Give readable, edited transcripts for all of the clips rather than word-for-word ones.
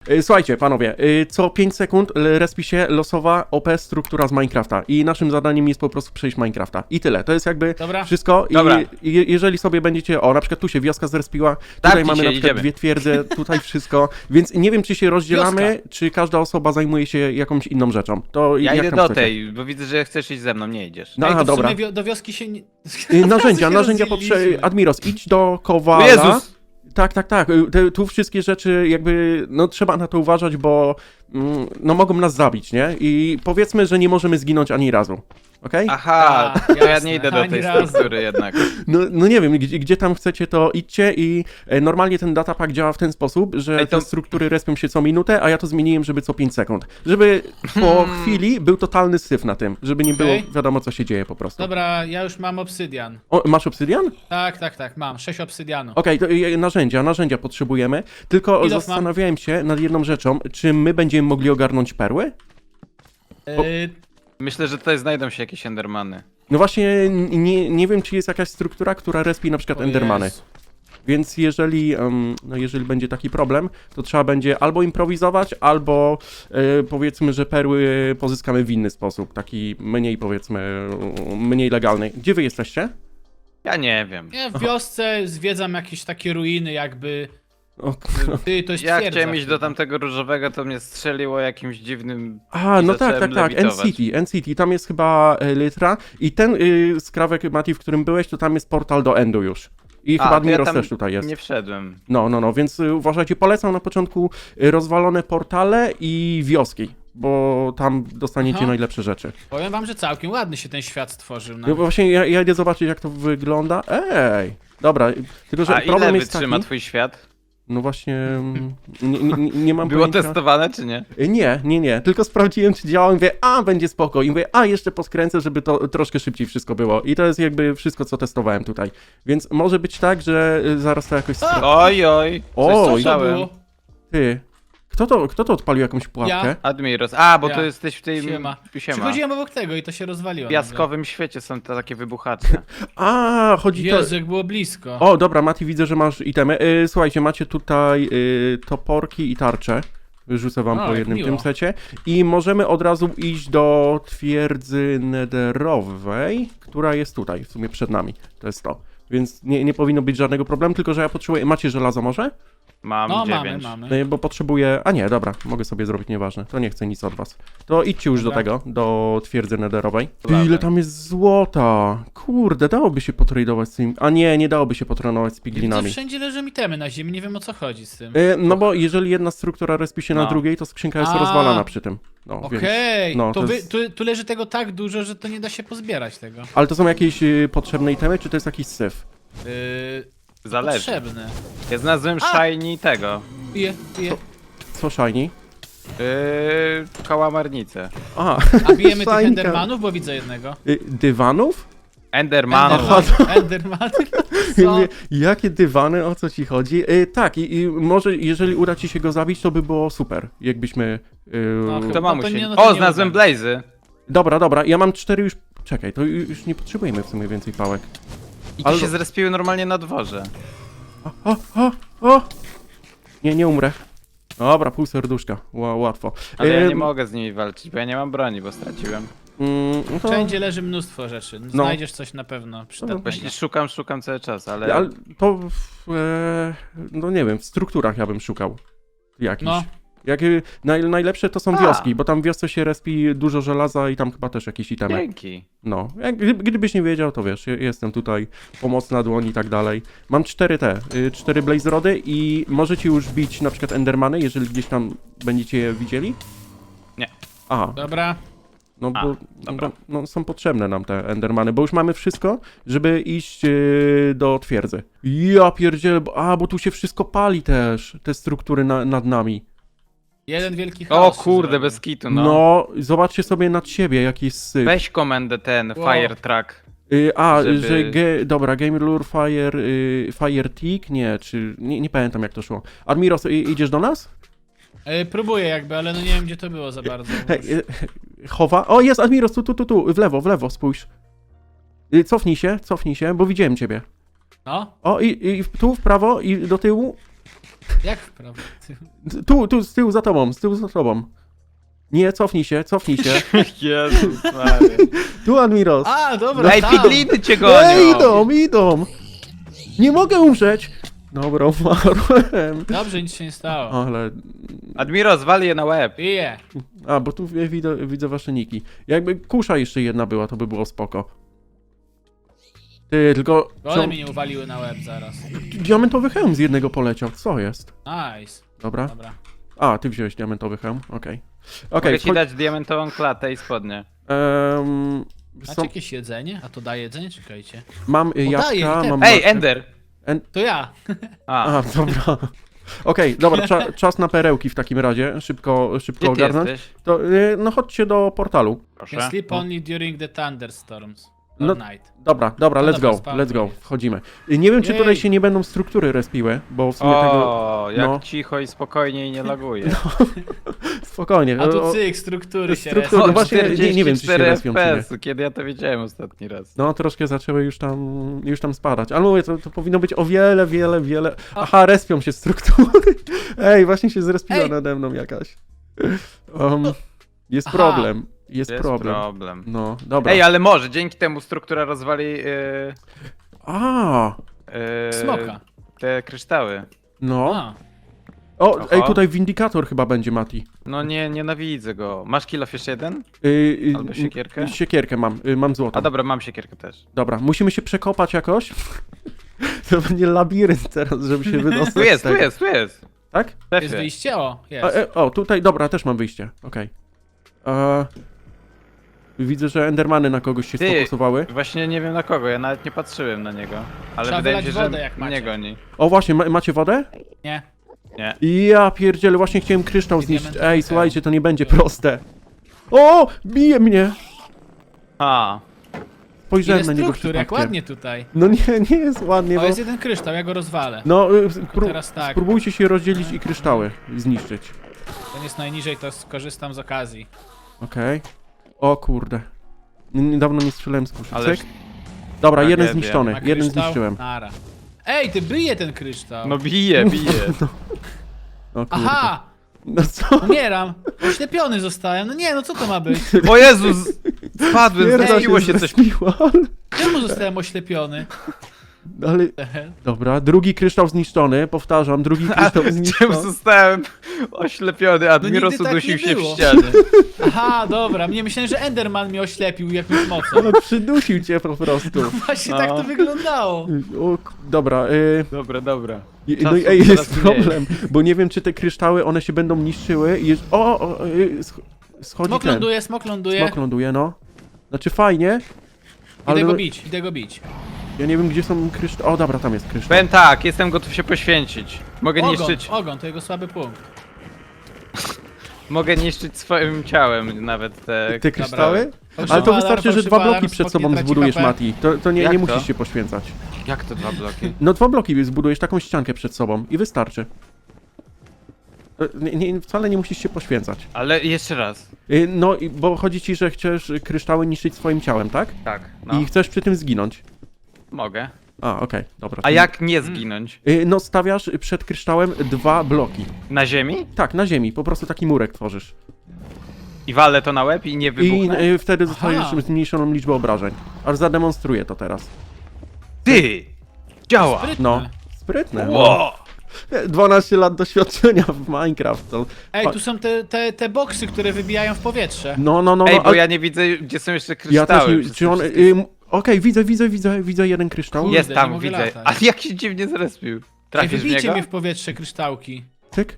Słuchajcie, panowie, co 5 sekund respi się losowa OP struktura z Minecrafta i naszym zadaniem jest po prostu przejść Minecrafta. I tyle, to jest jakby Dobra. wszystko. Dobra. I jeżeli sobie będziecie, o, na przykład tu się wioska zrespiła, tutaj mamy na przykład idziemy. 2 twierdze, tutaj wszystko, więc nie wiem, czy się rozdzielamy, Wioska. czy każda osoba zajmuje się jakąś inną rzeczą. To Ja jak idę tam do chcecie? tej, bo widzę, że chcesz iść ze mną, nie idziesz. No, Ej, aha, to w dobra. sumie do wioski się nie... Narzędzia rozdzieliliśmy. potrzebne. Admiros, idź do Kowala. O Jezus! Tak. Tu wszystkie rzeczy jakby, no trzeba na to uważać, bo no mogą nas zabić, nie? I powiedzmy, że nie możemy zginąć ani razu. Okej? Aha, Tak, to ja jasne. nie idę do Ani tej razu. struktury jednak. No nie wiem, gdzie tam chcecie, to idźcie i normalnie ten datapack działa w ten sposób, że Ej, to- te struktury respią się co minutę, a ja to zmieniłem, żeby co 5 sekund. Żeby po chwili był totalny syf na tym, żeby nie było Okej. wiadomo, co się dzieje po prostu. Dobra, ja już mam obsydian. O, masz obsydian? Tak, mam 6 obsydianu. Okej, to narzędzia potrzebujemy, tylko Ile zastanawiałem się nad jedną rzeczą, czy my będziemy mogli ogarnąć perły? Myślę, że tutaj znajdą się jakieś endermany. No właśnie, nie wiem, czy jest jakaś struktura, która respi na przykład O endermany. Jezu. Więc jeżeli, no jeżeli będzie taki problem, to trzeba będzie albo improwizować, albo powiedzmy, że perły pozyskamy w inny sposób, taki mniej powiedzmy, mniej legalny. Gdzie wy jesteście? Ja nie wiem. Ja w wiosce zwiedzam jakieś takie ruiny jakby... O, Ty, to jest Ja twierdza chciałem iść do chyba. tamtego różowego, to mnie strzeliło jakimś dziwnym... A, I no zacząłem tak, lewitować. NCT, tam jest chyba litra i ten skrawek, Mati, w którym byłeś, to tam jest portal do Endu już. I chyba to ja Admiros tam też tutaj jest. nie wszedłem. No, więc uważajcie, polecam na początku rozwalone portale i wioski, bo tam dostaniecie Aha. najlepsze rzeczy. Powiem wam, że całkiem ładny się ten świat stworzył. No właśnie, ja idę zobaczyć, jak to wygląda. Ej, dobra, tylko że A ile problem jest wytrzyma taki... twój świat? No właśnie, nie mam Było pojęcia. testowane, czy nie? Nie, tylko sprawdziłem, czy działa i mówię, będzie spoko. I mówię, jeszcze poskręcę, żeby to troszkę szybciej wszystko było. I to jest jakby wszystko, co testowałem tutaj. Więc może być tak, że zaraz to jakoś... Oj, coś Oj. Co to słyszałem. było? Ty, kto to odpalił jakąś pułapkę? Ja. Admiros. Bo Ja. to jesteś w tej... Siema. Siema. Przychodziłem obok tego i to się rozwaliło. W piaskowym świecie są te takie wybuchacze. Chodzi to... Jezu, jak było blisko. O, dobra, Mati, widzę, że masz itemy. Słuchajcie, macie tutaj toporki i tarcze. Rzucę wam O, po jak jednym miło. tym secie. I możemy od razu iść do twierdzy nederowej, która jest tutaj, w sumie przed nami. To jest to. Więc nie powinno być żadnego problemu, tylko że ja potrzebuję... Macie żelazo może? Mam No, 9. mamy. Bo potrzebuję... A nie, dobra, mogę sobie zrobić, nieważne. To nie chcę nic od was. To idźcie już do Dobra. tego, do twierdzy nederowej. Ty, Dobra. ile tam jest złota! Kurde, dałoby się potradować z tym... A nie dałoby się potradować z Widzę, piglinami. wszędzie leżą itemy na ziemi, nie wiem o co chodzi z tym. No bo jeżeli jedna struktura respi się na No. drugiej, to skrzynka jest A. rozwalana przy tym. No, więc... Okej, no, to to wy, jest- tu leży tego tak dużo, że to nie da się pozbierać tego. Ale to są jakieś potrzebne itemy, czy to jest jakiś syf? Zależy. Potrzebne. Ja znalazłem shiny tego. Piję. Co shiny? Kałamarnicę. A, A bijemy tych Szajka. endermanów, bo widzę jednego. Dywanów? Endermanów. Aha, Enderman. Ja Co? mówię, jakie dywany, o co ci chodzi? Tak, i może jeżeli uda ci się go zabić, to by było super, jakbyśmy... No, chyba. To No to mamusie. nie- no to O, nie znalazłem udam. blazy. Dobra, ja mam 4 już... Czekaj, to już nie potrzebujemy w sumie więcej pałek. I to Ale- się zrespiły normalnie na dworze. O! Nie umrę. Dobra, pół serduszka, łatwo. Ale ja nie mogę z nimi walczyć, bo ja nie mam broni, bo straciłem. No to... Wszędzie leży mnóstwo rzeczy. Znajdziesz coś na pewno przydatnego. Właśnie szukam cały czas, ale... Ale to, no nie wiem, w strukturach ja bym szukał jakichś. No. Jak, najlepsze to są wioski, bo tam w wiosce się respi dużo żelaza i tam chyba też jakieś itemy. Dzięki. No, gdybyś nie wiedział, to wiesz, jestem tutaj, pomocna dłoń i tak dalej. Mam 4 blaze rody i możecie już bić na przykład endermany, jeżeli gdzieś tam będziecie je widzieli? Nie. Aha, Dobra. no bo dobra. no, są potrzebne nam te endermany, bo już mamy wszystko, żeby iść do twierdzy. Ja pierdzielę, bo tu się wszystko pali też, te struktury nad nami. Jeden wielki O chaos. się kurde, zrobił. bez kitu, No. no. Zobaczcie sobie nad siebie, jaki jest syf. Weź komendę ten, Wow. fire truck. Że żeby- dobra, Game Lure Fire Tick? Nie, czy... Nie pamiętam jak to szło. Admiros, idziesz do nas? Próbuję jakby, ale no nie wiem gdzie to było za bardzo. Hej, chowa. O, jest Admiros, tu, w lewo, spójrz. Cofnij się, bo widziałem ciebie. No? O, i tu w prawo i do tyłu. Jak w prawo? Tu, z tyłu za tobą. Nie, cofnij się. Jezus Maria. Tu, Admiros. A, dobra, Ej, tam. pigliny cię gonią! Idą. Nie mogę umrzeć. Dobra, umarłem. Dobrze, nic się nie stało. Ale... Admiro, zwal je na łeb. Bije. A, bo tu widzę wasze niki. Jakby kusza jeszcze jedna była, to by było spoko. Ty, tylko... One mi nie uwaliły na łeb zaraz. Diamentowy hełm z jednego poleciał, co jest? Nice. Dobra. Dobra. A, ty wziąłeś diamentowy hełm, okej. Mogę ci dać diamentową klatę i spodnie. Macie jakieś jedzenie? A to daje jedzenie? Czekajcie. Mam daje jabłka, mi mam... te- Ej, marchew. Ender! To ja. A, A, dobra. Okej, dobra, czas na perełki w takim razie, szybko gdzie ty ogarnąć. jesteś? To, no chodźcie do portalu. Proszę. Can sleep only during the thunderstorms. No, Or night. Dobra, No let's dobra, go, spawnuj. let's go, wchodzimy. Nie wiem, czy tutaj Jej. się nie będą struktury respiły, bo w sumie tego... O, jak no. cicho i spokojnie i nie laguje. Spokojnie. A tu cyk, struktury się struktury, respią. no właśnie, nie wiem, czy się 44 respią, czy nie. FPS, kiedy ja to widziałem ostatni raz. No, troszkę zaczęły już tam spadać. Ale mówię, to powinno być o wiele... Aha, respią się struktury. Ej, właśnie się zrespiła Ej. nade mną jakaś. Jest Aha. problem. Jest problem. No, dobra. Ej, ale może dzięki temu struktura rozwali A, Smoka. te kryształy. no. A, O, Aha. ej, tutaj windikator chyba będzie, Mati. No nie, nienawidzę go. Masz kill off jeszcze jeden? Albo siekierkę? Siekierkę mam złotą. A dobra, mam siekierkę też. Dobra, musimy się przekopać jakoś. To będzie labirynt teraz, żeby się wydostać Tu jest, z tego. tu jest. Tak? W jest strefie. wyjście? O, jest. O, tutaj, dobra, też mam wyjście. Okej. Widzę, że endermany na kogoś się Ty. sfokusowały. Właśnie nie wiem na kogo, ja nawet nie patrzyłem na niego. Ale Trzeba wydaje mi wylać się, że wodę, jak macie. mnie goni. O, właśnie, macie wodę? Nie. Nie. Ja pierdzielę, właśnie chciałem kryształ I zniszczyć. diamentowy Ej, hełm. słuchajcie, to nie będzie proste. O, bije mnie! A, Ile Spojrzałem na niego struktur, jak przypadkiem. ładnie tutaj. No nie jest ładnie, O, bo... jest jeden kryształ, ja go rozwalę. No, teraz tak. spróbujcie się rozdzielić i kryształy zniszczyć. Ten jest najniżej, to skorzystam z okazji. Okej. O kurde. Niedawno nie strzelałem z kuszy. ale... Cyk. Dobra, jeden tragedia. zniszczony, Ma jeden kryształ? zniszczyłem. Nara. Ej, ty bije ten kryształ. No bije. O kurde. Aha! No co? Umieram! Oślepiony zostałem. No nie, no co to ma być? O Jezus! Spadłem, Pierda zrespiło się coś. zrespiła, Czemu zostałem oślepiony? ale... Dobra, drugi kryształ zniszczony, powtarzam, drugi kryształ Czym zniszczony. zostałem oślepiony, Admiros nigdy tak udusił nie się w było. ścianę. Aha, dobra. Mnie myślałem, że Enderman mnie oślepił jakimś mocą. Ale przydusił cię po prostu. Właśnie No. tak to wyglądało. Dobra, Dobra. no Czasu i ej, coraz jest mniej. problem, bo nie wiem, czy te kryształy, one się będą niszczyły i jest... Schodzi Smok ten. ląduje, smok ląduje. Smok ląduje, no. Znaczy fajnie, ale Idę go bić. ja nie wiem, gdzie są kryształy. O, dobra, tam jest kryształ. Powiem tak, jestem gotów się poświęcić. Mogę niszczyć, Ogon, to jego słaby punkt. mogę niszczyć swoim ciałem nawet te... Kryształy? Fałszywy Ale to alarm, wystarczy, że fałszywy dwa alarm, bloki przed smok sobą nie traci zbudujesz, HP. Mati. To nie Jak to? musisz się poświęcać. Jak to 2 bloki? No 2 bloki zbudujesz, taką ściankę przed sobą i wystarczy. Wcale nie musisz się poświęcać. Ale jeszcze raz. No, bo chodzi ci, że chcesz kryształy niszczyć swoim ciałem, tak? Tak, no. I chcesz przy tym zginąć. Mogę. A, okej, dobra. A jak nie zginąć? No, stawiasz przed kryształem 2 bloki. Na ziemi? Tak, na ziemi, po prostu taki murek tworzysz. I walę to na łeb i nie I wybuchnę? wtedy dostajesz Aha. zmniejszoną liczbę obrażeń. Aż zademonstruję to teraz. Ty! Działa! Sprytne. No, sprytne. No. Ło! 12 lat doświadczenia w Minecraft. To... Ej, tu są te boksy, które wybijają w powietrze. No, Ej, bo a- ja nie widzę, gdzie są jeszcze ja kryształy. też nie, przez czy te on... wszystkie- Okej, widzę jeden kryształ. Kurde, Jest nie tam, mogę widzę. latać. Ale jak się dziwnie zrespił. Ej, Trafisz w wybijcie niego? mnie w powietrze kryształki. Cyk.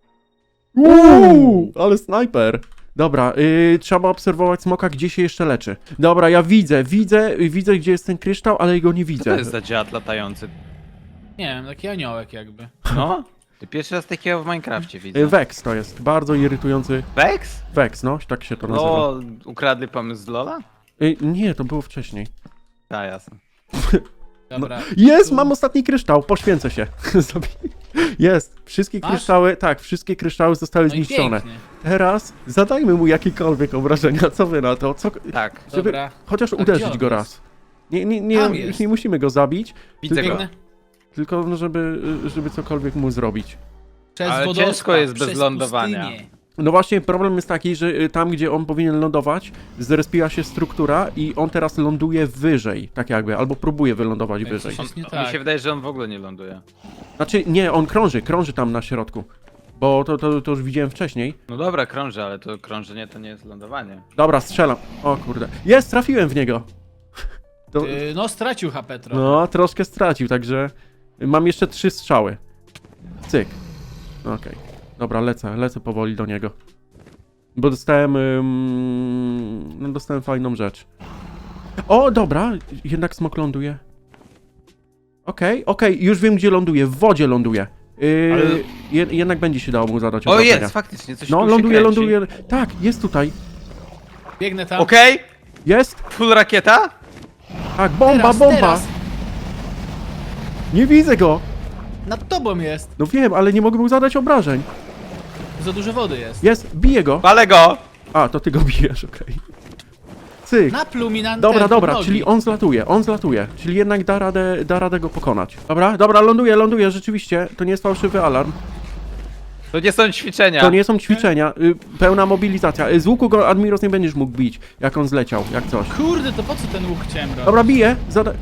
Ale snajper. Dobra, trzeba obserwować smoka, gdzie się jeszcze leczy. Dobra, ja widzę, gdzie jest ten kryształ, ale go nie Co widzę. to jest za dziad latający? Nie wiem, taki aniołek jakby. No? Ty pierwszy raz takiego w Minecrafcie widzę. Vex to jest, bardzo irytujący Vex? Vex, no, tak się to nazywa. No, ukradli pomysł z Lola? Nie, to było wcześniej. A, jasne. Dobra. Jest, Tu- mam ostatni kryształ, poświęcę się. Jest, wszystkie Masz? kryształy, tak, wszystkie kryształy zostały No i zniszczone. pięknie. Teraz zadajmy mu jakiekolwiek obrażenia, co wy na to? Tak, Żeby Dobra. chociaż A uderzyć gdzie on go jest? raz. Nie, Tam już jest. nie musimy go zabić, widzę go. Biegnę. tylko no, żeby cokolwiek mu zrobić. Przez Ale wodospad, ciężko jest bez przez lądowania. pustynię. No właśnie, problem jest taki, że tam, gdzie on powinien lądować, zrespiła się struktura i on teraz ląduje wyżej, tak jakby, albo próbuje wylądować Ej, wyżej. coś jest nie Mi tak. się wydaje, że on w ogóle nie ląduje. Znaczy, nie, on krąży tam na środku. Bo to już widziałem wcześniej. No dobra, krąży, ale to krążenie to nie jest lądowanie. Dobra, strzelam. O kurde. Jest, trafiłem w niego. To, No stracił HP trochę. no, troszkę stracił, także mam jeszcze 3 strzały. Cyk. Okej. Dobra, lecę powoli do niego. Bo dostałem, no dostałem fajną rzecz. O, dobra, jednak smok ląduje. Okej, już wiem, gdzie ląduje. W wodzie ląduje. Ale- Jednak będzie się dało mu zadać O obrażenia. jest, faktycznie, coś No, tu się ląduje. kręci. Tak, jest tutaj. Biegnę tam. Okej, Jest. full rakieta? Tak, bomba. Teraz. Nie widzę go. Nad tobą jest. No wiem, ale nie mogę mu zadać obrażeń. Za dużo wody jest. Jest, bije go. Palę go! A, to ty go bijesz, okej. Cyk. Napluł mi na Dobra, ten, dobra, nogi. czyli on zlatuje. Czyli jednak da radę go pokonać. Dobra, ląduje, rzeczywiście. To nie jest fałszywy alarm. To nie są ćwiczenia. To nie są ćwiczenia. Pełna mobilizacja. Z łuku go Admiros nie będziesz mógł bić, jak on zleciał, jak coś. Kurde, to po co ten łuk chciałem robić? Dobra, bije.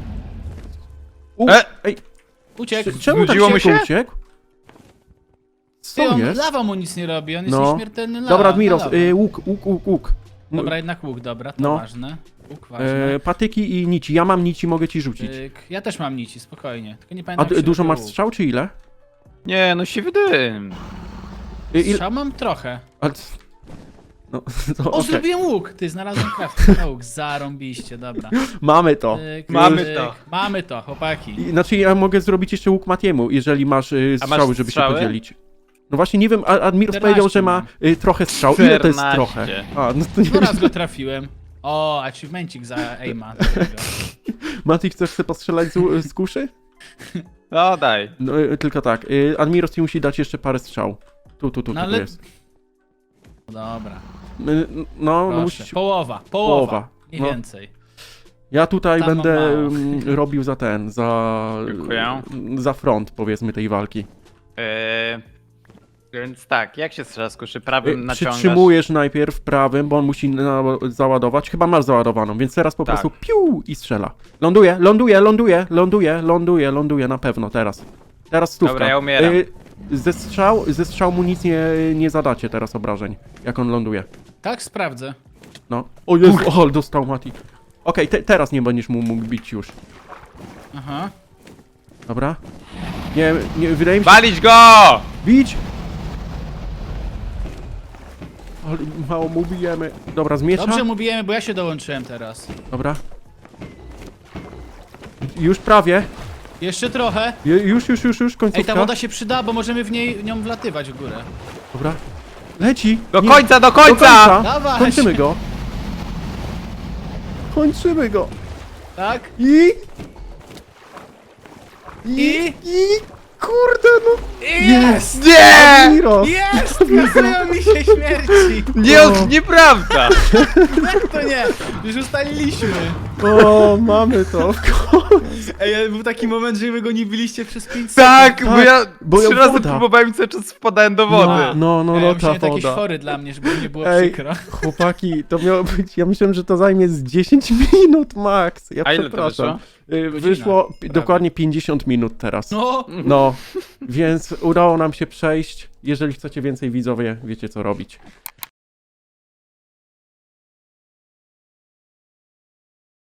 Ej, Uciekł. czemu tak Znudziło mu szybko się? uciekł? Ty, Co on, jest? lawa mu nic nie robi, on jest No. nieśmiertelny lawa. Dobra, Admiros, lawa. łuk. Dobra, jednak łuk, dobra, to No. ważne. Łuk ważny. Patyki i nici. Ja mam nici, mogę ci rzucić. Ja też mam nici, spokojnie. Tylko nie A pamiętam jak się dużo robiło masz łuk. strzał, czy ile? Nie, no siwy dym. Strzał mam trochę. No, to O, okej. zrobiłem łuk! Ty, znalazłem crafting łuk, zarąbiście, dobra. Mamy to. Tyk, Mamy tyk. to. Mamy to, chłopaki. Znaczy, ja mogę zrobić jeszcze łuk Matiemu, jeżeli masz strzały, żeby strzały? się podzielić. No właśnie, nie wiem, Admiros 14 powiedział, że ma trochę strzał. Ile to jest 14. trochę? A, no to nie No raz go trafiłem. O, achievemencik za aima. Mati, chcesz sobie postrzelać z kuszy? No daj. No, tylko tak. Admiros ci musi dać jeszcze parę strzał. Tu No ale- jest. Dobra, No, proszę. musisz... Połowa. Połowa. Nie No. więcej. Ja tutaj Tam mam będę mało. robił Dziękuję. za front, powiedzmy, tej walki. Więc tak, jak się strzela z kuszy? Prawym naciągasz. Przytrzymujesz najpierw prawym, bo on musi załadować. Chyba masz załadowaną, więc teraz po Tak. prostu piu i strzela. Ląduje na pewno teraz. Teraz stówka. Dobra, ja umieram. Ze strzał mu nic nie zadacie teraz obrażeń, jak on ląduje. Tak, sprawdzę. No. O Jezu, o, dostał Mati. Okej, teraz nie będziesz mu mógł bić już. Aha. Dobra. Nie, wydaje mi się... Walić go! Bić! Ale mało mu bijemy. Dobra, z miecza. Dobrze mu bijemy, bo ja się dołączyłem teraz. Dobra. Już prawie. Jeszcze trochę. Już, końcówka. Ej, ta woda się przyda, bo możemy w nią wlatywać w górę. Dobra. Leci. Do Nie, końca, do do końca! Dawaj. Kończymy go. Kończymy go. Tak? I... I? Kurde, no. Jest! Nie! Admiros. Jest! Kasują mi się śmierci! Nie, O. nieprawda! Jak to nie? Już ustaliliśmy. O, mamy to. Ej, był taki moment, że wy go nie byliście przez 5 sekund. Tak, bo Tak, ja bo 3 razy woda. próbowałem i cały czas wpadałem do wody. No, Ja ta myślałem, to jakieś woda. fory dla mnie, żeby nie było Ej, przykro. chłopaki, to miało być, ja myślałem, że to zajmie z 10 minut max. Ja A ile to przepraszam. wyszło? Wyszło Prawie. dokładnie 50 minut teraz. No, No, więc udało nam się przejść. Jeżeli chcecie więcej, widzowie, wiecie co robić.